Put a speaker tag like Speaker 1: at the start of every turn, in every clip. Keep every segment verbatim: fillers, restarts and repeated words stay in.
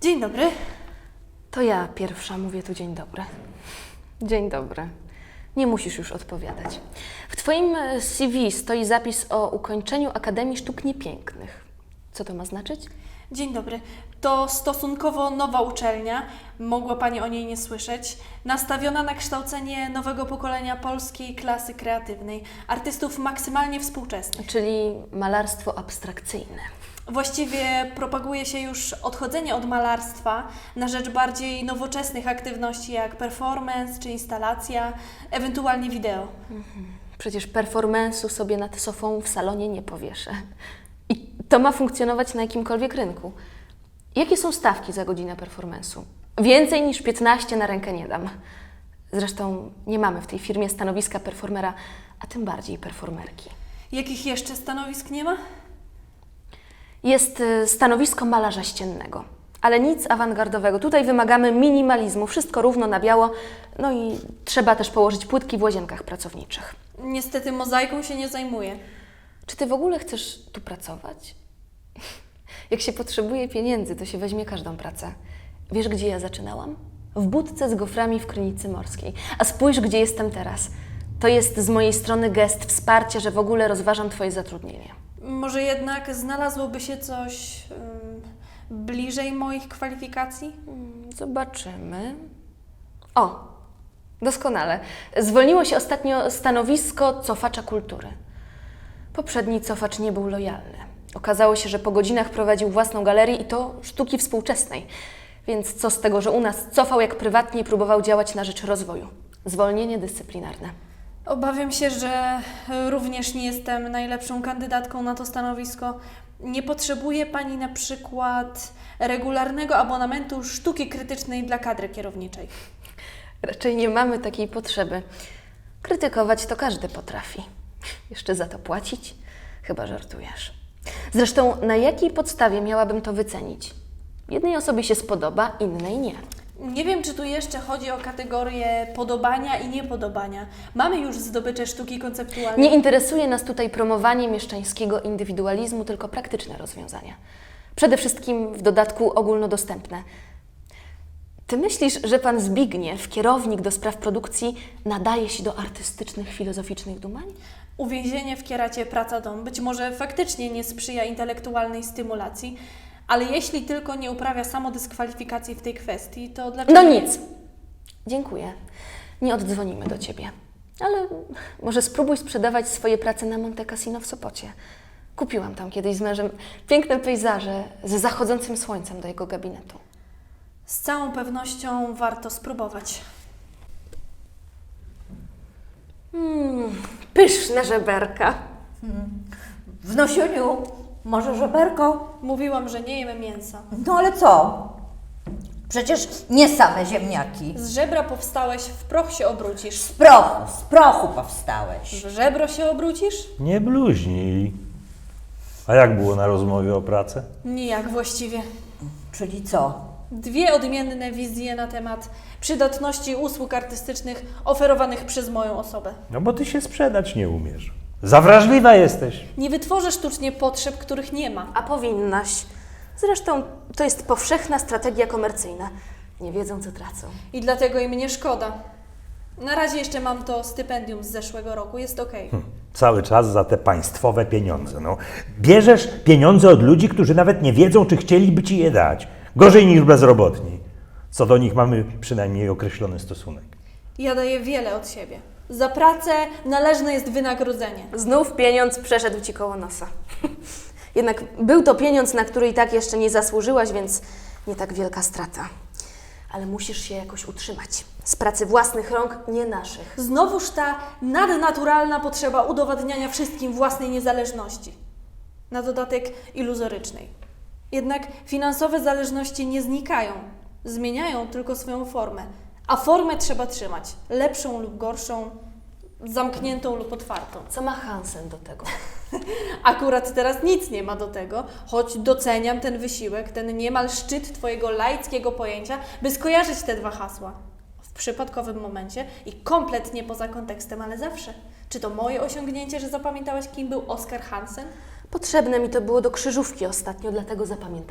Speaker 1: Dzień dobry.
Speaker 2: To ja pierwsza mówię tu dzień dobry. Dzień dobry. Nie musisz już odpowiadać. W Twoim C V stoi zapis o ukończeniu Akademii Sztuk Niepięknych. Co to ma znaczyć?
Speaker 1: Dzień dobry. To stosunkowo nowa uczelnia, mogła Pani o niej nie słyszeć, nastawiona na kształcenie nowego pokolenia polskiej klasy kreatywnej, artystów maksymalnie współczesnych.
Speaker 2: Czyli malarstwo abstrakcyjne.
Speaker 1: Właściwie propaguje się już odchodzenie od malarstwa na rzecz bardziej nowoczesnych aktywności jak performance czy instalacja, ewentualnie wideo.
Speaker 2: Przecież performance'u sobie nad sofą w salonie nie powieszę. I to ma funkcjonować na jakimkolwiek rynku. Jakie są stawki za godzinę performance'u? Więcej niż piętnaście na rękę nie dam. Zresztą nie mamy w tej firmie stanowiska performera, a tym bardziej performerki.
Speaker 1: Jakich jeszcze stanowisk nie ma?
Speaker 2: Jest y, stanowisko malarza ściennego, ale nic awangardowego. Tutaj wymagamy minimalizmu, wszystko równo na biało, no i trzeba też położyć płytki w łazienkach pracowniczych.
Speaker 1: Niestety mozaiką się nie zajmuję.
Speaker 2: Czy Ty w ogóle chcesz tu pracować? Jak się potrzebuje pieniędzy, to się weźmie każdą pracę. Wiesz, gdzie ja zaczynałam? W budce z goframi w Krynicy Morskiej. A spójrz, gdzie jestem teraz. To jest z mojej strony gest wsparcia, że w ogóle rozważam Twoje zatrudnienie.
Speaker 1: Może jednak znalazłoby się coś ym, bliżej moich kwalifikacji?
Speaker 2: Zobaczymy. O, doskonale. Zwolniło się ostatnio stanowisko cofacza kultury. Poprzedni cofacz nie był lojalny. Okazało się, że po godzinach prowadził własną galerię i to sztuki współczesnej. Więc co z tego, że u nas cofał jak prywatnie i próbował działać na rzecz rozwoju. Zwolnienie dyscyplinarne.
Speaker 1: Obawiam się, że również nie jestem najlepszą kandydatką na to stanowisko. Nie potrzebuje Pani na przykład regularnego abonamentu sztuki krytycznej dla kadry kierowniczej.
Speaker 2: Raczej nie mamy takiej potrzeby. Krytykować to każdy potrafi. Jeszcze za to płacić? Chyba żartujesz. Zresztą na jakiej podstawie miałabym to wycenić? Jednej osobie się spodoba, innej nie.
Speaker 1: Nie wiem, czy tu jeszcze chodzi o kategorię podobania i niepodobania. Mamy już zdobycze sztuki konceptualnej.
Speaker 2: Nie interesuje nas tutaj promowanie mieszczańskiego indywidualizmu, tylko praktyczne rozwiązania. Przede wszystkim w dodatku ogólnodostępne. Ty myślisz, że pan Zbigniew, kierownik do spraw produkcji, nadaje się do artystycznych, filozoficznych dumań?
Speaker 1: Uwięzienie w kieracie praca-dom być może faktycznie nie sprzyja intelektualnej stymulacji, ale jeśli tylko nie uprawia samodyskwalifikacji w tej kwestii, to dlaczego...
Speaker 2: No
Speaker 1: nie?
Speaker 2: nic. Dziękuję. Nie oddzwonimy do Ciebie. Ale może spróbuj sprzedawać swoje prace na Monte Cassino w Sopocie. Kupiłam tam kiedyś z mężem piękne pejzaże ze zachodzącym słońcem do jego gabinetu.
Speaker 1: Z całą pewnością warto spróbować.
Speaker 2: Mm, pyszne żeberka.
Speaker 3: Wnosiuniu, może żeberko?
Speaker 1: Mówiłam, że nie jemy mięsa.
Speaker 3: No ale co? Przecież nie same ziemniaki.
Speaker 1: Z żebra powstałeś, w proch się obrócisz.
Speaker 3: Z prochu, z prochu powstałeś.
Speaker 1: W żebro się obrócisz?
Speaker 4: Nie bluźnij. A jak było na rozmowie o pracę?
Speaker 1: Nijak właściwie.
Speaker 3: Czyli co?
Speaker 1: Dwie odmienne wizje na temat przydatności usług artystycznych oferowanych przez moją osobę.
Speaker 4: No bo ty się sprzedać nie umiesz. Za wrażliwa jesteś.
Speaker 1: Nie wytworzę sztucznie potrzeb, których nie ma.
Speaker 2: A powinnaś. Zresztą to jest powszechna strategia komercyjna. Nie wiedzą, co tracą.
Speaker 1: I dlatego im nie szkoda. Na razie jeszcze mam to stypendium z zeszłego roku, jest okej.
Speaker 4: Cały czas za te państwowe pieniądze. No. Bierzesz pieniądze od ludzi, którzy nawet nie wiedzą, czy chcieliby ci je dać. Gorzej niż bezrobotni. Co do nich mamy przynajmniej określony stosunek.
Speaker 1: Ja daję wiele od siebie. Za pracę należne jest wynagrodzenie.
Speaker 2: Znów pieniądz przeszedł Ci koło nosa. Jednak był to pieniądz, na który i tak jeszcze nie zasłużyłaś, więc nie tak wielka strata. Ale musisz się jakoś utrzymać. Z pracy własnych rąk, nie naszych.
Speaker 1: Znowuż ta nadnaturalna potrzeba udowadniania wszystkim własnej niezależności. Na dodatek iluzorycznej. Jednak finansowe zależności nie znikają. Zmieniają tylko swoją formę. A formę trzeba trzymać. Lepszą lub gorszą, zamkniętą lub otwartą.
Speaker 2: Co ma Hansen do tego?
Speaker 1: Akurat teraz nic nie ma do tego, choć doceniam ten wysiłek, ten niemal szczyt Twojego laickiego pojęcia, by skojarzyć te dwa hasła. W przypadkowym momencie i kompletnie poza kontekstem, ale zawsze. Czy to moje osiągnięcie, że zapamiętałeś, kim był Oskar Hansen?
Speaker 2: Potrzebne mi to było do krzyżówki ostatnio, dlatego zapamiętałam.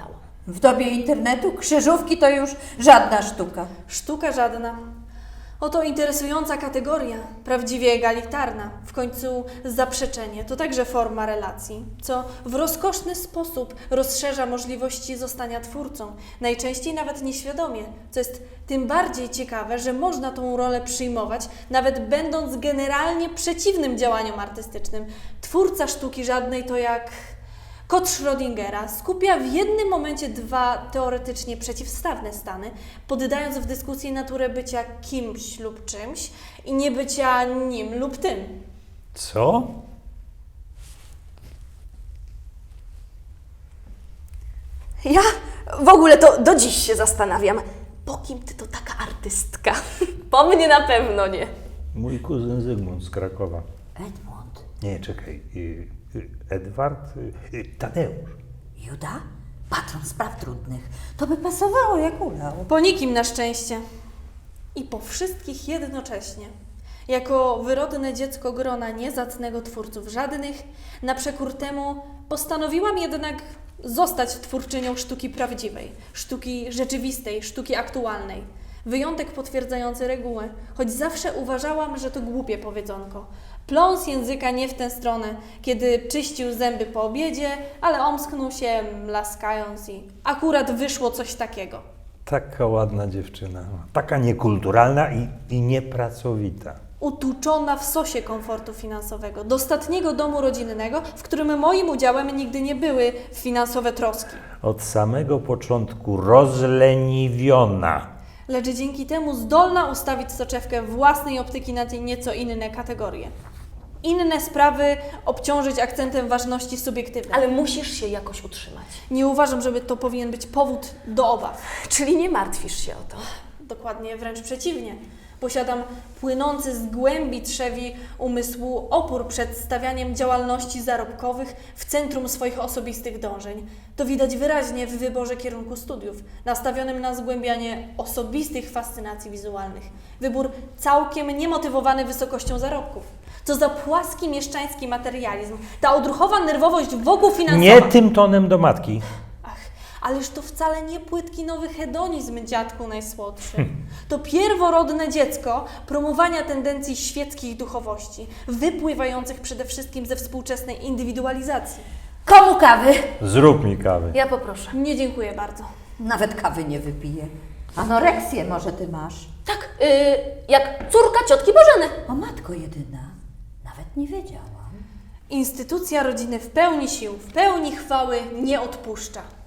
Speaker 3: W dobie internetu krzyżówki to już żadna sztuka.
Speaker 1: Sztuka żadna. Oto interesująca kategoria, prawdziwie egalitarna. W końcu zaprzeczenie to także forma relacji, co w rozkoszny sposób rozszerza możliwości zostania twórcą, najczęściej nawet nieświadomie, co jest tym bardziej ciekawe, że można tą rolę przyjmować, nawet będąc generalnie przeciwnym działaniom artystycznym. Twórca sztuki żadnej to jak kot Schrödingera skupia w jednym momencie dwa teoretycznie przeciwstawne stany, poddając w dyskusji naturę bycia kimś lub czymś i nie bycia nim lub tym.
Speaker 4: Co?
Speaker 2: Ja w ogóle to do dziś się zastanawiam, po kim ty to taka artystka? Po mnie na pewno nie.
Speaker 4: Mój kuzyn Zygmunt z Krakowa.
Speaker 3: Edmund.
Speaker 4: Nie, czekaj. y, y, Edward? Y, y, Tadeusz.
Speaker 3: Juda? Patron spraw trudnych. To by pasowało jak ulał.
Speaker 1: Po nikim na szczęście. I po wszystkich jednocześnie. Jako wyrodne dziecko grona niezacnego twórców żadnych, na przekór temu postanowiłam jednak zostać twórczynią sztuki prawdziwej, sztuki rzeczywistej, sztuki aktualnej. Wyjątek potwierdzający regułę, choć zawsze uważałam, że to głupie powiedzonko. Pląs języka nie w tę stronę, kiedy czyścił zęby po obiedzie, ale omsknął się, mlaskając i akurat wyszło coś takiego.
Speaker 4: Taka ładna dziewczyna. Taka niekulturalna i, i niepracowita.
Speaker 1: Utuczona w sosie komfortu finansowego, dostatniego domu rodzinnego, w którym moim udziałem nigdy nie były finansowe troski.
Speaker 4: Od samego początku rozleniwiona.
Speaker 1: Lecz dzięki temu zdolna ustawić soczewkę własnej optyki na te nieco inne kategorie. Inne sprawy obciążyć akcentem ważności subiektywnej.
Speaker 2: Ale musisz się jakoś utrzymać.
Speaker 1: Nie uważam, żeby to powinien być powód do obaw.
Speaker 2: Czyli nie martwisz się o to.
Speaker 1: Dokładnie wręcz przeciwnie. Posiadam płynący z głębi trzewi umysłu opór przed stawianiem działalności zarobkowych w centrum swoich osobistych dążeń. To widać wyraźnie w wyborze kierunku studiów, nastawionym na zgłębianie osobistych fascynacji wizualnych. Wybór całkiem niemotywowany wysokością zarobków. Co za płaski mieszczański materializm, ta odruchowa nerwowość wokół finansowa.
Speaker 4: Nie tym tonem do matki.
Speaker 1: Ach, ależ to wcale nie płytki nowy hedonizm, dziadku najsłodszy. To pierworodne dziecko promowania tendencji świeckich duchowości, wypływających przede wszystkim ze współczesnej indywidualizacji.
Speaker 3: Komu kawy?
Speaker 4: Zrób mi kawy.
Speaker 2: Ja poproszę.
Speaker 1: Nie dziękuję bardzo.
Speaker 3: Nawet kawy nie wypiję. Anoreksję może ty masz.
Speaker 2: Tak, yy, jak córka ciotki Bożeny.
Speaker 3: O matko jedyna. Nawet nie wiedziałam.
Speaker 1: Instytucja rodziny w pełni sił, w pełni chwały nie odpuszcza.